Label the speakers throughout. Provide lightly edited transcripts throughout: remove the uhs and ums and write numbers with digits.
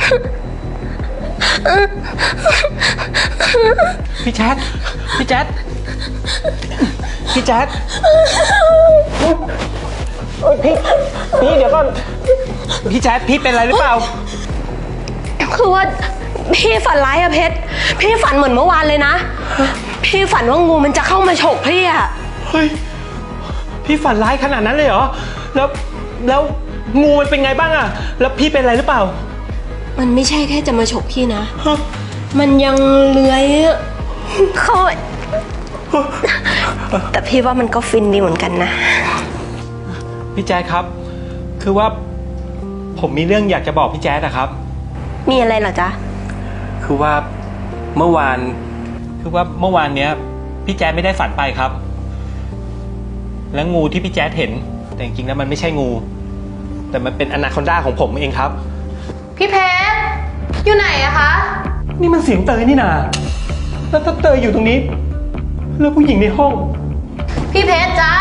Speaker 1: พี่แจ๊ดพี่แจ๊ดพี่แจ๊ดพี่เดี๋ยวก่อนพี่แจ๊ดพี่เป็นอะไรหรือเปล่า
Speaker 2: คือว่าพี่ฝันร้ายอะเพชรพี่ฝันเหมือนเมื่อวานเลยนะพี่ฝันว่างูมันจะเข้ามาฉกพี่อะ
Speaker 1: เฮ้ยพี่ฝันร้ายขนาดนั้นเลยเหรอแล้วงูมันเป็นไงบ้างอะแล้วพี่เป็นอะไรหรือเปล่า
Speaker 2: มันไม่ใช่แค่จะมาฉกพี่นะมันยังเลื้อยเข้าแต่พี่ว่ามันก็ฟินดีเหมือนกันนะ
Speaker 1: พี่แจ๊ดครับคือว่าผมมีเรื่องอยากจะบอกพี่แจ๊ดนะครับ
Speaker 2: มีอะไรเหรอจ๊ะ
Speaker 1: คือว่าเมื่อวานเนี้ยพี่แจ๊ดไม่ได้ฝันไปครับและงูที่พี่แจ๊ดเห็นแต่จริงๆแล้วมันไม่ใช่งูแต่มันเป็นอนาคอนดาของผมเองครับ
Speaker 3: พี่เพชรอยู่ไหนอะคะ
Speaker 1: นี่มันเสียงเตยนี่นาแล้วถ้าเตยอยู่ตรงนี้แล้วผู้หญิงในห้อง
Speaker 3: พี่เพชรจ๊ะ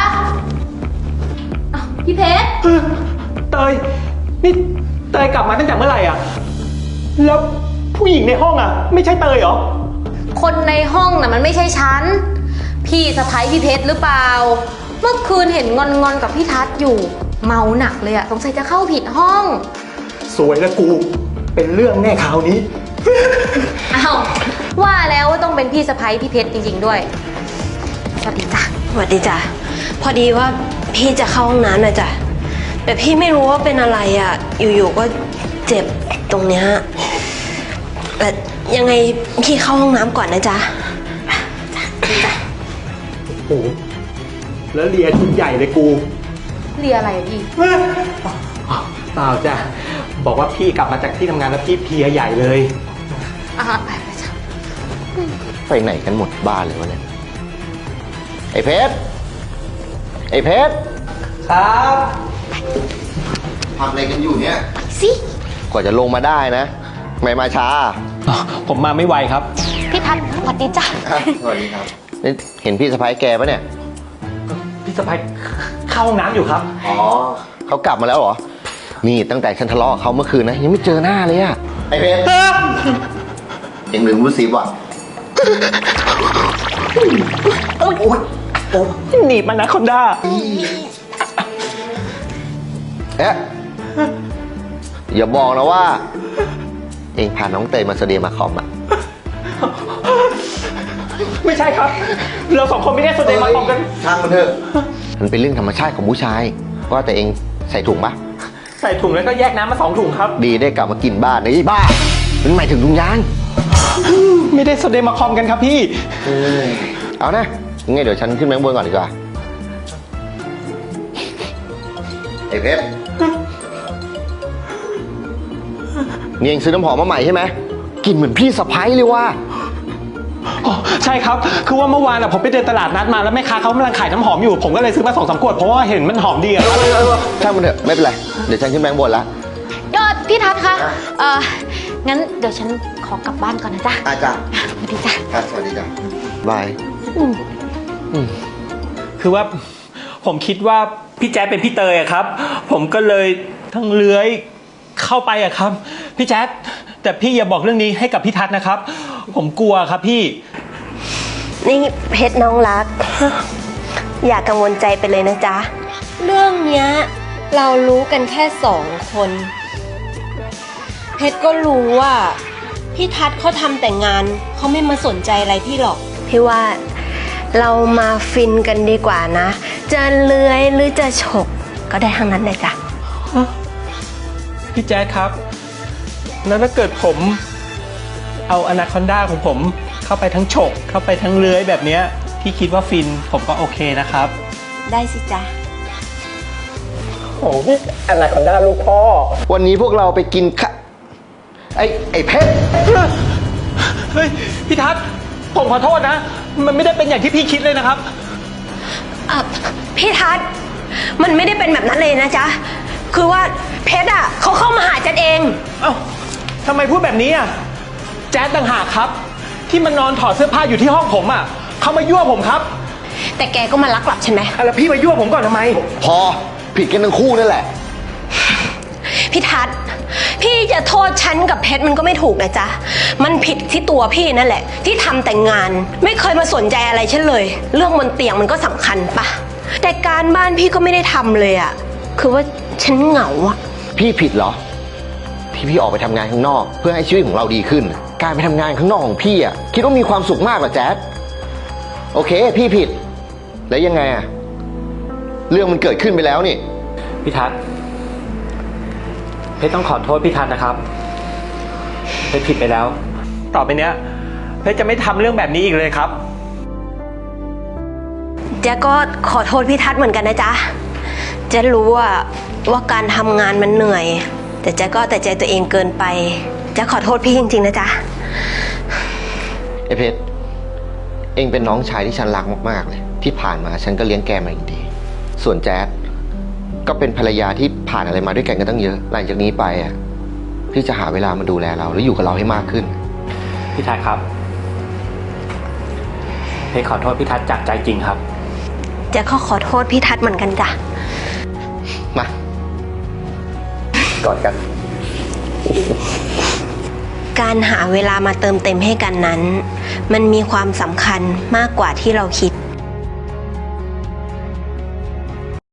Speaker 3: พี่เพชร
Speaker 1: เตยนี่เตยกลับมาตั้งแต่เมื่อไหร่อะแล้วผู้หญิงในห้องอะไม่ใช่เตยเหรอ
Speaker 3: คนในห้องน่ะมันไม่ใช่ฉันพี่สะใภ้พี่เพชรหรือเปล่าเมื่อคืนเห็นงอนกับพี่ทัศน์อยู่เมาหนักเลยอะสงสัยจะเข้าผิดห้อง
Speaker 1: สวยแล้วกูเป็นเรื่องแน่คราวนี้
Speaker 3: อ้าวว่าแล้วว่าต้องเป็นพี่สะใภ้พี่เพชรจริงๆด้วยสวัสดีจ้ะ
Speaker 2: สวัสดีจ้ะพอดีว่าพี่จะเข้าห้องน้ำหน่อยจ้ะแต่พี่ไม่รู้ว่าเป็นอะไรอ่ะอยู่ๆก็เจ็บตรงเนี้ยแต่ยังไงพี่เข้าห้องน้ำก่อนนะจ๊ะ
Speaker 3: จ้ะ
Speaker 1: โอ้แล้วเลียชุดใหญ่เลยกู
Speaker 3: เลียอะไรพี่
Speaker 1: เปล่าจ้ะบอกว่าพี่กลับมาจากที่ทำงานแล้วพี่เพลียใหญ่เลย
Speaker 3: ไปจ้ะ
Speaker 4: ไปไหนกันหมดบ้านเลยวะเนี่ยไอ้เพชร
Speaker 1: ครับ
Speaker 4: ทำอะไรกันอยู่เนี่ย
Speaker 3: สิ
Speaker 4: กว่าจะลงมาได้นะไม่มาช้า
Speaker 1: ผมมาไม่ไวครับ
Speaker 3: พี่ทัศน์สวัสดีจ้ะ
Speaker 4: สวัสดีครับเห็นพี่สะใภ้แกปะเนี่ย
Speaker 1: พี่สะใภ้เข้าห้องน้ำอยู่ครับ
Speaker 4: อ๋อเขากลับมาแล้วเหรอนี่ตั้งแต่ฉันทะเลาะกับเขาเมื่อคืนนะยังไม่เจอหน้าเลยอะไอ้เพชรเอ็งลืมรู้สิว่ะ
Speaker 1: โอ้หนีบมันนะคอนด้า
Speaker 4: อย่าบอกนะว่าเอ็งพาน้องเตยมาเสเดียมาคอมอะ
Speaker 1: ไม่ใช่ครับเราสองคนไม่ได้เสเดียมาคอมกัน
Speaker 4: ช่างมันเถอะมันเป็นเรื่องธรรมชาติของผู้ชายว่าแต่เอ็งใส่ถุงปะ
Speaker 1: ใส่ถุงแล้วก็แยกน้ำมา2 ถุงครับ
Speaker 4: ดีได้กลับมากินบ้านไอ้บ้ามันหมายถึงถุงยาง
Speaker 1: ไม่ได้เสเดียมาคอมกันครับพี่
Speaker 4: เอานะงั้นเดี๋ยวฉันขึ้นแบงค์บนก่อนดีกว่าไอ้เพชรนี่เองซื้อน้ำหอมมาใหม่ใช่ไหมกลิ่นเหมือนพี่สะใภ้เลยว่ะ
Speaker 1: ใช่ครับคือว่าเมื่อวานผมไปเดินตลาดนัดมาแล้วแม่ค้าเขากำลังขายน้ำหอมอยู่ผมก็เลยซื้อมา2-3 ขวดเพราะว่าเห็นมันหอมดีอะ
Speaker 4: ช่างมันเถอะไม่เป็นไรเดี๋ยวฉันขึ้นแบงค์บนละ
Speaker 3: ยอดพี่ทัศน์คะงั้นเดี๋ยวฉันขอกลับบ้านก่อนนะจ๊ะ
Speaker 4: จ้ะ
Speaker 3: สวัสดีจ้ะ
Speaker 4: สวัสดีจ้ะบาย
Speaker 1: คือว่าผมคิดว่าพี่แจ๊ดเป็นพี่เตยอะครับผมก็เลยทั้งเลื้อยเข้าไปอะครับพี่แจ๊ดแต่พี่อย่าบอกเรื่องนี้ให้กับพี่ทัศน์นะครับผมกลัวครับพี่
Speaker 2: นี่เพชรน้องรักอย่ากังวลใจไปเลยนะจ๊ะเรื่องเนี้ยเรารู้กันแค่2 คนเพชรก็รู้ว่าพี่ทัศน์เขาทำแต่งานเขาไม่มาสนใจอะไรพี่หรอกพี่ว่าเรามาฟินกันดีกว่านะจะเลื้อยหรือจะฉกก็ได้ทั้งนั้นเลยจ้ะ
Speaker 1: พี่แจ๊ดครับแล้วถ้าเกิดผมเอาอนาคอนดาของผมเข้าไปทั้งฉกเข้าไปทั้งเลื้อยแบบเนี้ยพี่คิดว่าฟินผมก็โอเคนะครับ
Speaker 2: ได้สิจ๊ะ
Speaker 1: โอ้พี่อนาคอนดาลูกพ่อ
Speaker 4: วันนี้พวกเราไปกินไอ้เพชร
Speaker 1: เฮ้ยพี่ทัศน์ผมขอโทษนะมันไม่ได้เป็นอย่างที่พี่คิดเลยนะครับ
Speaker 2: พี่ทัศน์มันไม่ได้เป็นแบบนั้นเลยนะจ๊ะคือว่าเพชรอ่ะเขาเข้ามาหาแจ๊ดเอง
Speaker 1: เอ้าทำไมพูดแบบนี้อ่ะแจ๊ดต่างหากครับที่มันนอนถอดเสื้อผ้าอยู่ที่ห้องผมอ่ะเขามายั่วผมครับ
Speaker 2: แต่แกก็มาลักหลับใช่ไหม
Speaker 1: แล้วพี่มายั่วผมก่อนทำไม
Speaker 4: พอผิดกันทั้งคู่นั่นแหละ
Speaker 2: พี่ทัศน์พี่จะโทษฉันกับเพชรมันก็ไม่ถูกนะจ๊ะมันผิดที่ตัวพี่นั่นแหละ ที่ทำแต่งานไม่เคยมาสนใจอะไรฉันเลย เรื่องบนเตียงมันก็สำคัญปะแต่การบ้านพี่ก็ไม่ได้ทำเลยอะคือว่าฉันเหงาอะ
Speaker 4: พี่ผิดเหรอที่พี่ออกไปทำงานข้างนอก เพื่อให้ชีวิตของเราดีขึ้น การไปทำงานข้างนอกของพี่อ่ะคิดว่ามีความสุขมากเหรอแจ๊ดโอเค พี่ผิด แล้วยังไงอ่ะเรื่องมันเกิดขึ้นไปแล้วนี่
Speaker 1: พี่ทัศน์เพชรต้องขอโทษพี่ทัศน์นะครับเพชรผิดไปแล้ว ต่อไปเนี้ยเพชรจะไม่ทำเรื่องแบบนี้อีกเลยครับ
Speaker 2: เจ๊ก็ขอโทษพี่ทัศน์เหมือนกันนะจ๊ะเจ๊รู้ว่าการทำงานมันเหนื่อย แต่เจ๊ก็แต่ใจตัวเองเกินไปเจ๊ขอโทษพี่จริงๆนะจ๊ะ
Speaker 4: ไอ้เพชรเองเป็นน้องชายที่ฉันรักมากๆเลยที่ผ่านมาฉันก็เลี้ยงแกมาอย่างดีส่วนแจ๊ดก็เป็นภรรยาที่ผ่านอะไรมาด้วยกันตั้งเยอะหลังจากนี้ไปอ่ะพี่จะหาเวลามาดูแลเราแล้วอยู่กับเราให้มากขึ้น
Speaker 1: พี่ทัศน์ครับเพชรขอโทษพี่ทัศน์จากใจจริงครับ
Speaker 2: เจ๊ก็ขอโทษพี่ทัศน์เหมือนกันจ้ะ
Speaker 4: มากอดกัน
Speaker 2: การหาเวลามาเติมเต็มให้กันนั้น มันมีความสำคัญมากกว่าที่เราคิด